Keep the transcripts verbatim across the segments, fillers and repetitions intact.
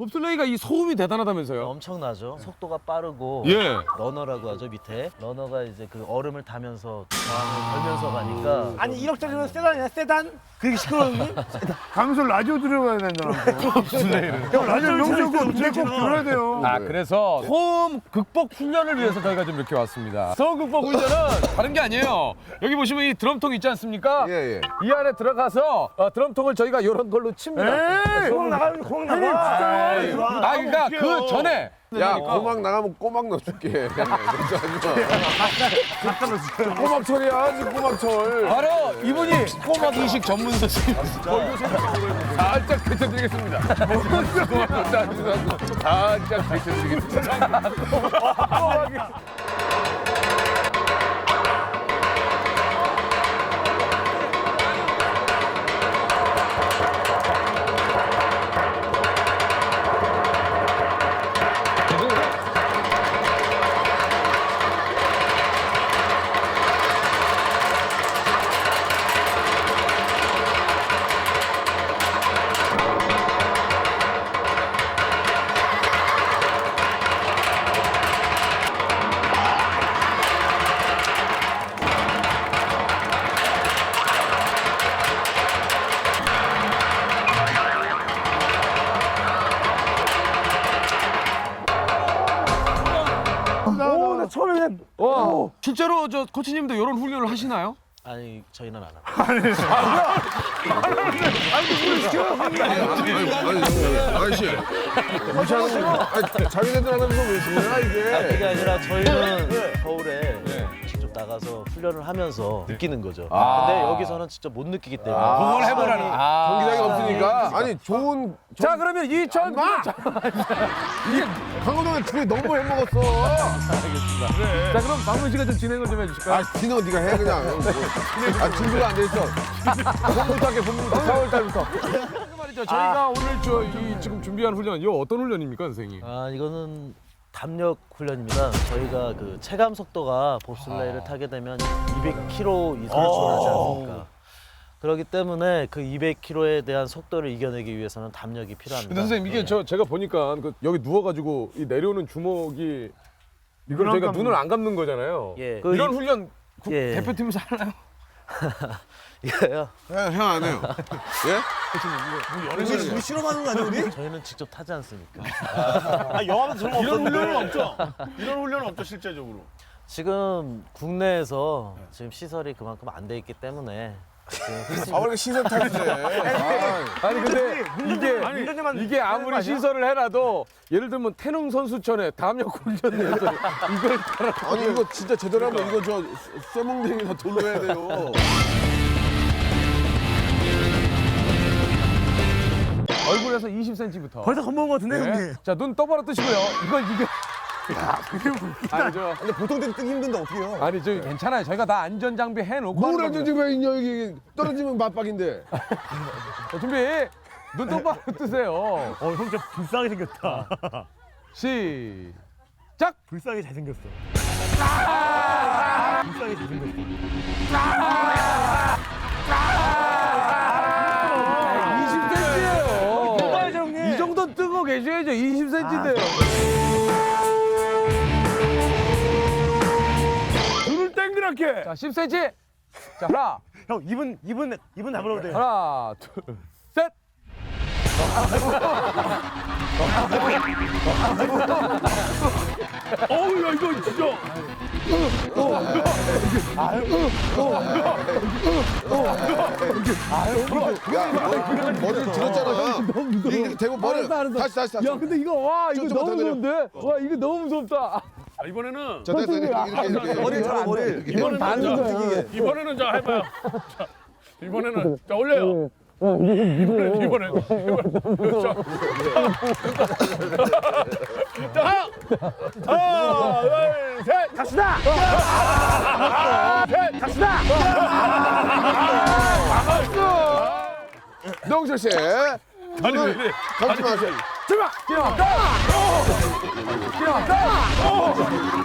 봅슬레이가 이 소음이 대단하다면서요? 엄청나죠. 속도가 빠르고 예. 러너라고 하죠. 밑에 러너가 이제 그 얼음을 타면서 저항을 걸면서 가니까 아니 일억짜리면 세단이야 세단? 그게 시끄러운데? 가면서 라디오 들어가야 된다고. 봅슬레이를. 형 라디오 명절 꼭 꼭 들어야 돼요. 아 그래서 소음 극복 훈련을 위해서 저희가 좀 이렇게 왔습니다. 소음 극복 훈련은 다른 게 아니에요. 여기 보시면 이 드럼통 있지 않습니까? 예, 예. 이 안에 들어가서 어, 드럼통을 저희가 이런 걸로 칩니다. 공항 나가면 공항 나가. 아 그러니까 그 전에 야, 고막 나가면 꼬막 넣어줄게. 꼬막 철이야, 지금 꼬막철. 바로 이분이 꼬막 이식 전문 선생님. 살짝 비춰드리겠습니다. 살짝 비춰드리겠습니다. 오나 처음에 그냥 와, 실제로 저 코치님도 이런 훈련을 하시나요? 아니 저희는 안 합니다. 아저씨. 무시하는 아니, 자기네들 하면서 왜 그러나, 이게. 그게 아니라 저희는 겨울에 직접 나가서 훈련을 하면서 느끼는 거죠. 아. 근데 여기서는 직접 못 느끼기 때문에 그걸 해보라는. 아. 경기장이 없으니까. 아니, 좋은. 자 그러면 이천 마! 강호동은 둘이 너무 해먹었어. 자 그럼 박문 씨가 좀 진행을 좀 해주실까요? 아, 디너 네가 해, 그냥. 아, 준비가 안 돼 있어. 봄부터 할게, 봄부터. 사월 달부터. 그 말이죠. 저희가 오늘 저 이 지금 준비한 훈련, 이거 어떤 훈련입니까, 선생님? 아 이거는 담력 훈련입니다. 저희가 그 체감 속도가 봅슬레이를 타게 되면 이백 킬로미터 이상을 초월하지 않습니까? 그렇기 때문에 그 이백 킬로미터에 대한 속도를 이겨내기 위해서는 담력이 필요합니다. 근데 선생님 이게 네. 저 제가 보니까 그 여기 누워가지고 이 내려오는 주먹이 이걸 눈 저희가 안 감는 눈을 안 감는 거잖아요. 예. 이런 그 훈련 국- 예. 대표팀에서 하나요? 이거요. 형 안 해요. 예? 우리 실험하는 거 아니야 우리? 저희는 직접 타지 않습니까? 아 영화는 저런 거 이런 없었는데. 훈련은 없죠? 이런 훈련은 없죠, 실제적으로. 지금 국내에서 지금 시설이 그만큼 안 돼 있기 때문에 지금 아, 왜 이렇게 시선 탈출해? 아니 근데 이게 운전자만 이게 아무리 시설을 해놔도 예를 들면 태릉 선수촌에 담력 훈련에서 이걸 따라 아니, 이거 진짜 제대로 하면 이거 저 쇠몽댕이나 돌로 해야 돼요. 얼굴에서 이십 센티미터. 벌써 겁먹은 거 같은데 형님. 자 눈 똑바로 뜨시고요. 이걸 이게 아니 저 근데 보통 때는 뜨기 힘든데 어떻게 해요? 아니 저 괜찮아요. 저희가 다 안전 장비 해놓고 하는 뭘 겁니다. 안전지가 있냐, 여기. 떨어지면 맞박인데. 자, 준비. 눈 똑바로 뜨세요. 어, 형 진짜 불쌍하게 생겼다. 시작. 불쌍하게 잘생겼어. 불쌍하게 잘생겼어. 이십 센티미터예요. 뽑아야죠, 형님. 이 정도 뜨고 계셔야죠. 이십 센티미터인데요. 눈을 땡그랗게. 자, 십 센티미터. 자, 하나, 형 입은 입은 입은 다물어도 돼요. 하나, 둘, 셋. 어우 야 이거 진짜. 야, 머리, 머리를 들었잖아. 이렇게 대고 머리. 알았어, 알았어. 다시, 다시, 다시. 야, 근데 이거 와, 이거 좀, 좀 너무 더 내려. 무서운데? 와, 이거 너무 무섭다. 아, 이번에는 자, 됐어. 이렇게, 이렇게, 이렇게. 머리 잡아 머리. 이번에는 다른 자, 거야. 이번에는 자 해봐요. 자, 이번에는 자 올려요. 이번에 이번에 이번에 자, 자, 하나, 둘, 셋, 갑시다. 셋, 갑시다. 명철 씨. 아니 왜 이래? 감지 마세요. 출발! 뛰어! 뛰어! 뛰어!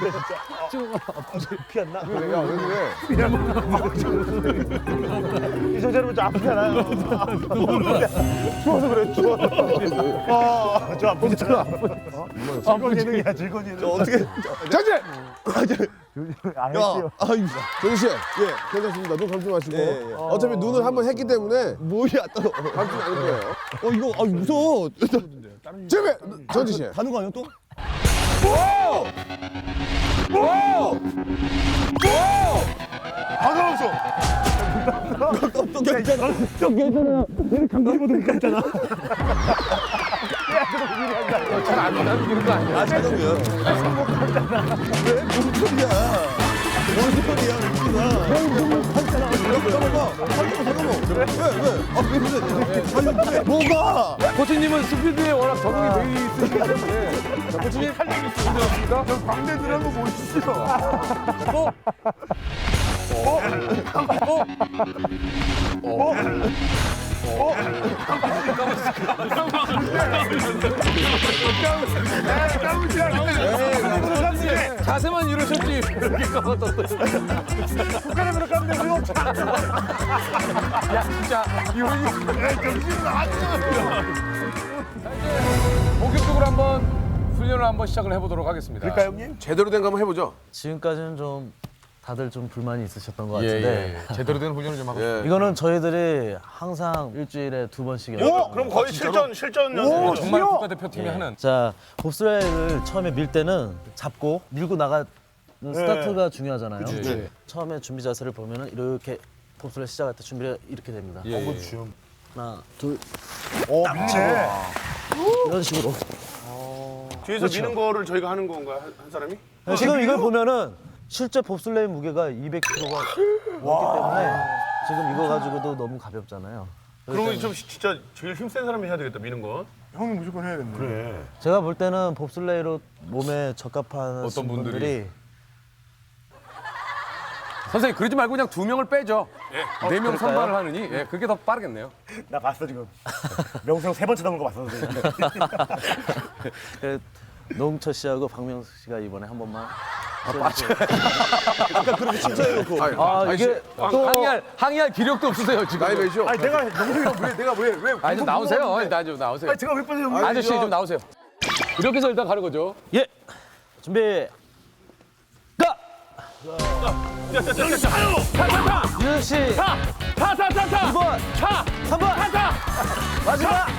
피 안 나? 야, 왜 그래? 비서자 여러분 저 아프잖아요. 추워서 그래 추워서. 아, 저 아프잖아. 즐거운 예능이야 즐거운 예능. 어떻게 자제. 안 야, 했어요. 아유, 정희 씨, 예, 괜찮습니다. 눈 감지 마시고. 어차피 눈을 한번 했기 때문에 뭐야 또 감지 않을 거예요. 어 이거 아 무서워. 준비, 정지 씨. 가는 거 아니야 또? 또 괜찮아. 또 괜찮아. 얘는 감기보다 괜찮아. 잘안 남기는 거 아니야? 아 잠깐만요. 왜뭔 소리야? 뭔 소리야 웃기다. 잠깐만. 잠깐만. 왜 왜? 아왜 그래? 아니 왜? 뭐가? 코치님은 스피드에 워낙 적응이 되어 있으시기 때문에. 자, 코치님 할 얘기 있으십니까? 저 광대 들어간 거 보이시죠? 또? 어? 어? 어? 자세만 이러셨지 이렇게 까먹었어. 북한으로 가면 돼. 우리 야 진짜 이혼이 정신 나왔어. 본격적으로 한번 훈련을 한번 시작을 해보도록 하겠습니다. 그럴까 형님? 제대로 된 거 한번 해보죠. 지금까지는 좀 다들 좀 불만이 있으셨던 것 예, 같은데 예. 제대로 된 훈련을 좀 하고. 예. 이거는 저희들이 항상 일주일에 두 번씩 오, 해요. 그럼 거의 실전 실전 오, 연습이죠. 정말 국가대표팀이 하는. 자, 봅슬레이를 처음에 밀 때는 잡고 밀고 나가는 스타트가 중요하잖아요. 예. 처음에 준비 자세를 보면은 이렇게 봅슬레이 시작할 때 준비가 이렇게 됩니다. 예, 예. 하나, 둘, 오, 미네. 이런 식으로. 뒤에서 미는 거를 저희가 하는 건가요? 한, 한 사람이? 지금 이걸 보면은 실제 봅슬레이 무게가 이백 킬로그램가 넘기 때문에 지금 이거 가지고도 너무 가볍잖아요. 그러면 좀 진짜 제일 힘센 사람이 해야 되겠다 미는 거. 형이 무조건 해야겠네. 그래. 제가 볼 때는 봅슬레이로 몸에 적합한 어떤 분들이? 분들이 선생님 그러지 말고 그냥 두 명을 빼죠. 네 명 그럴까요? 선발을 하느니 예, 그게 더 빠르겠네요. 나 봤어 지금. 명수 형 세 번째 넘은 거 봤어 선생님. 그 노홍철 씨하고 박명수 씨가 이번에 한 번만. 아까 그렇게 칭찬해놓고. 아 이게 또 항의할 항의할 기력도 없으세요 지금. 나이 몇이요? 아니 내가 명수형 왜 내가 왜 왜? 아니 좀 나오세요. 일단 좀 나오세요. 제가 왜 빠져 형? 아저씨 좀 나오세요. 이렇게 해서 일단 가는 거죠. 예 준비 가. 유현 씨 타타타타. 이 번 차. 삼 번 타타. 마지막.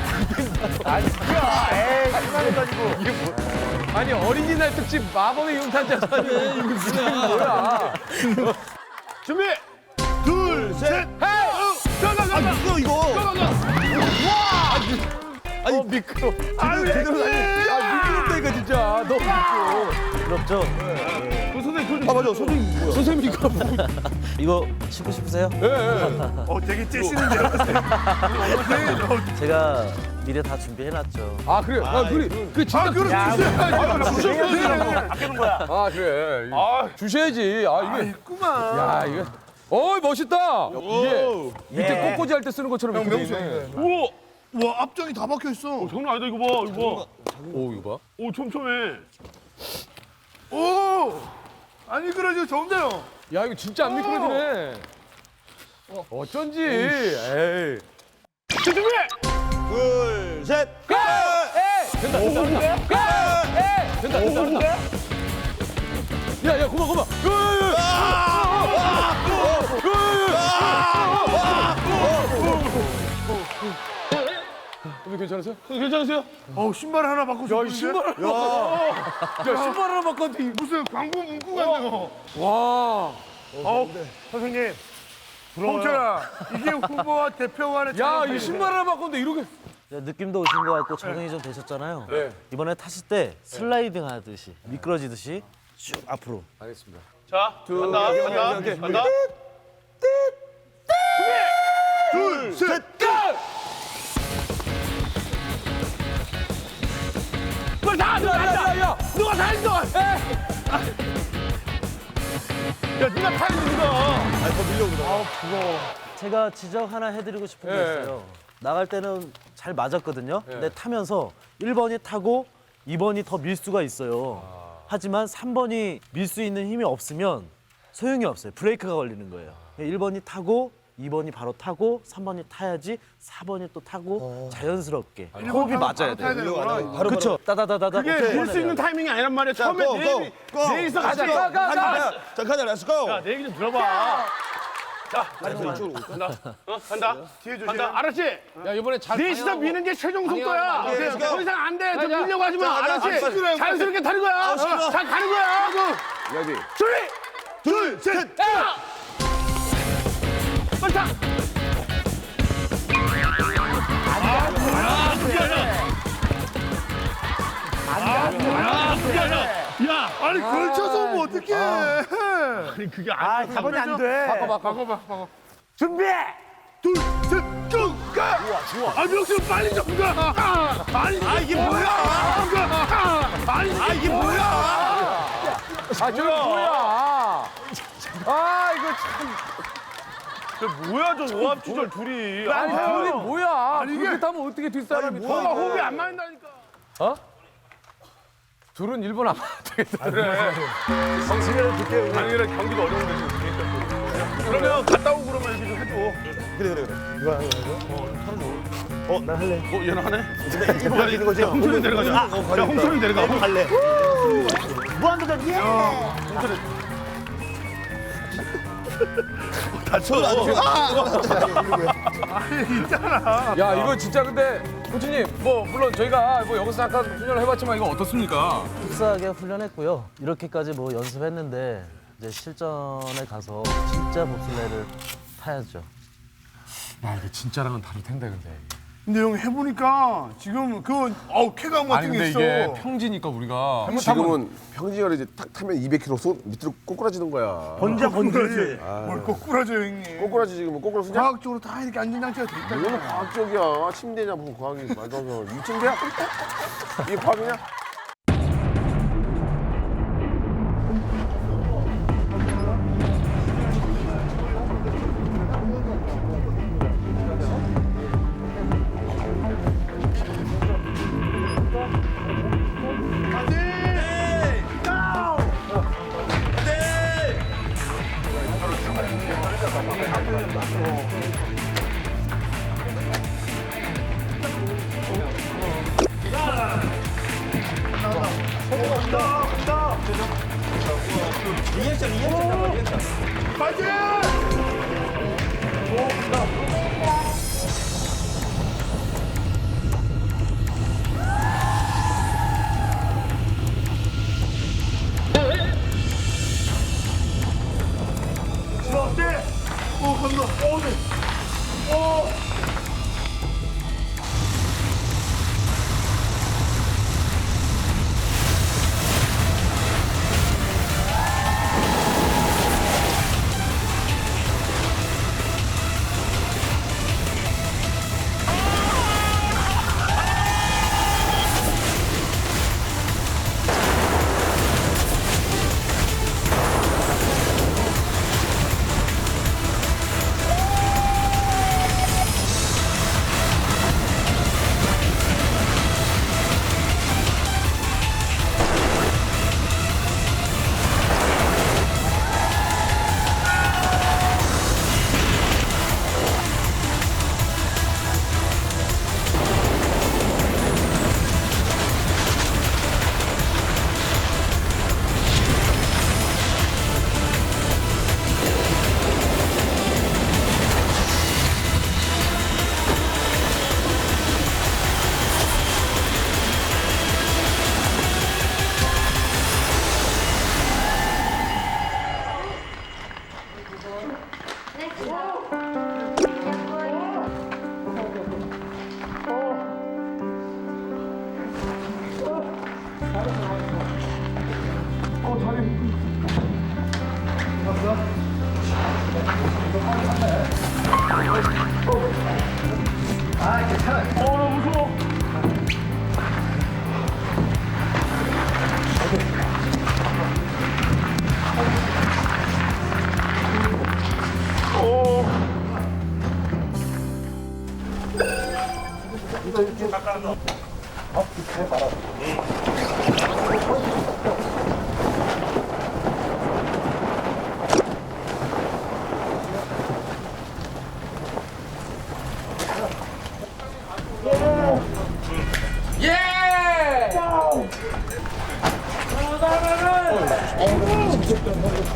에이 그만해 가지고. 아니 어린이날 특집 마법의 융탄자잖아요. 이거 뭐야? 준비. 둘 셋. 헤이. 가가 가. 아 이거 이거. 가가 가. 아니 미끄러. 아유 제대로 다니. 아 미끄럽다니까 진짜. 너무 미끄러. 부럽죠? 그 선생님 아 맞아 선생님 뭐야? 선생님이가 뭐? 이거 신고 싶으세요? 어 되게 째시는데요. 제가 미리 다 준비해놨죠. 아 그래. 아 그래. 그 진짜 그래. 아끼는 거야. 아 그래. 아 주셔야지. 아 이게. 있구만. 야 이거. 어 멋있다. 이게 밑에 꽃꽂이 할 때 쓰는 것처럼 이렇게 돼 있네. 우와. 와 앞정이 다 박혀 있어. 장난 아니다 이거 봐 이거 봐. 오 이거 봐. 오 촘촘해. 오. 아니 그러죠 좋은데요. 야 이거 진짜 안 미끄러지네. 어, 어쩐지. 에이. 준비. 둘 셋. 가! 에이! 된다. 된다. 가! 에이! 된다. 된다. 된다. 야, 야, 그만, 그만. 선배 괜찮으세요? 괜찮으세요? 어 신발 하나 바꿔 줬는데. 야, 신발. 야, 야, 신발 하나 바꿨는데. 무슨 광고 문구 같네요. 와. 어 선생님. 홍철아 이게 후보와 대표 간의 야, 이 신발 하나 바꿨는데 이렇게. 자, 느낌도 오신 것 같고 적응이 좀 되셨잖아요. 네. 이번에 타실 때 슬라이딩 하듯이 미끄러지듯이 쭉 앞으로. 알겠습니다. 자 간다 간다 간다. 둘 셋. 야, 야, 야. 누가 다 했어? 야 누가 다 했어 누가? 제가 지적 하나 해드리고 싶은 게 예. 있어요. 나갈 때는 잘 맞았거든요. 근데 타면서 일 번이 타고 이 번이 더 밀 수가 있어요. 하지만 삼 번이 밀 수 있는 힘이 없으면 소용이 없어요. 브레이크가 걸리는 거예요. 일 번이 타고 이 번이 바로 타고 삼 번이 타야지 사 번이 또 타고 자연스럽게 호흡이 맞아야 돼요. 바로 그렇죠. 따다다다다. 그게 밀 수 있는 타이밍이 아니란 말이야. 처음에 고, 내 고, 얘기 고. 내 얘기서 같이 가자, 가, 가, 가. 자, 가자, 렛츠고. 야, 내 얘기 좀 들어봐. 자, 간다. 어, 간다. 뒤에 조심. 간다. 알았지? 야 이번에 잘 넷이서 방해하고. 미는 게 최종 속도야. 방해하고. 네, 더 이상 안 돼. 더 가자. 밀려고 하지 마. 자, 알았지? 알았어, 시끄러워. 자연스럽게 타는 거야. 아, 시끄러워. 어, 잘 가는 거야. 레디. 준비. 둘, 셋. 야! 빨리 타. 야, 아니 걸쳐서 오면 어떡해. 아니 그게 아, 사 번이 안 돼. 바꿔, 바꿔, 바꿔, 바꿔. 준비. 둘, 셋, 쭉 가. 좋아, 좋아. 아 명수 빨리 좀 가. 아니 아, 이게 뭐야? 아니 아, 이게 뭐야? 아 저게 뭐야? 아 이거 참. 뭐야 저 오합 주절 둘이. 아니 둘이 뭐야? 이게- 그렇게 타면 어떻게 뒷사람이 뭐가 타? 호흡이 안 맞는다니까. 어? 둘은 일본 안 맞되겠다 아니라 경기도 어려운데 지금. 그러면 갔다 오고 그러면 이렇게 좀 해줘. 그래, 그래, 그래. 어, 얘는 하네? 이거 가지는 거지? 홍철이 내려가자. 야, 홍철이 내려가. 갈래. 무한도전 예. 다쳐. 야 이거 진짜 근데 코치님 뭐 물론 저희가 뭐 여기서 잠깐 훈련을 해봤지만 이거 어떻습니까? 흡사하게 훈련했고요. 이렇게까지 뭐 연습했는데 이제 실전에 가서 진짜 봅슬레이를 타야죠. 아 이거 진짜랑은 다를 텐데 근데. 근데 형 해보니까 지금 그 어우 쾌감 아니 같은 근데 게 있어. 이게 평지니까 우리가 지금은 평지가 이제 탁 타면 이백 킬로미터 손 밑으로 꼬꾸라지는 거야. 번자 번자지. 뭘 꼬꾸라져 형님. 꼬꾸라지 지금 꼬꾸라 쓰냐? 과학적으로 다 이렇게 안전장치가 돼 있다. 이거는 과학적이야. 침대냐 무슨 과학이 말도 안 돼. 이 침대야? 이게 과학이냐?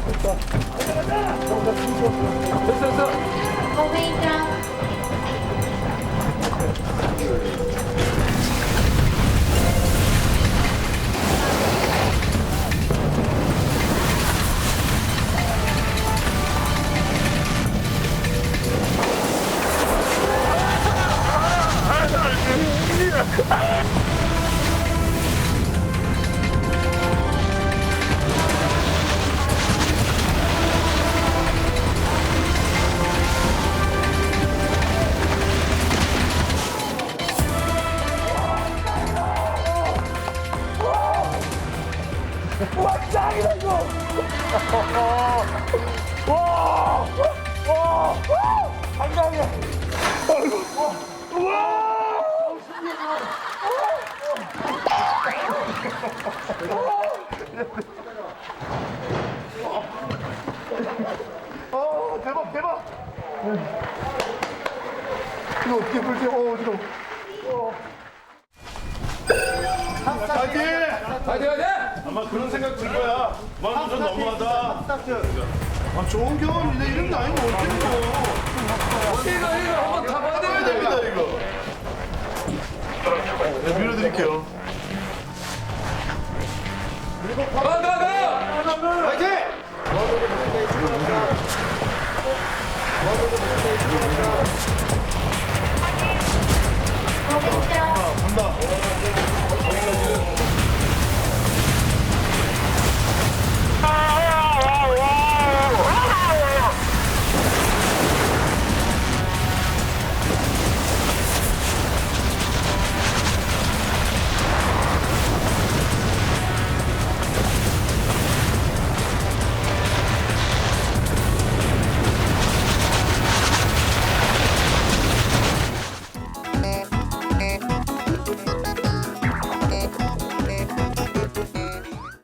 고회장 대박 대박. 이거 어떻게 풀지? 어 지금. 파이팅! 파이팅 하자! 아마 그런 생각 들 거야. 만 좀 너무하다. 아 좋은 경험인데 이런 거 아니면 어떡해. 이거 이거 한번 타봐야 해야 됩니다. 됩니다 이거. 네, 밀어드릴게요. 가, 가, 가! 파이팅!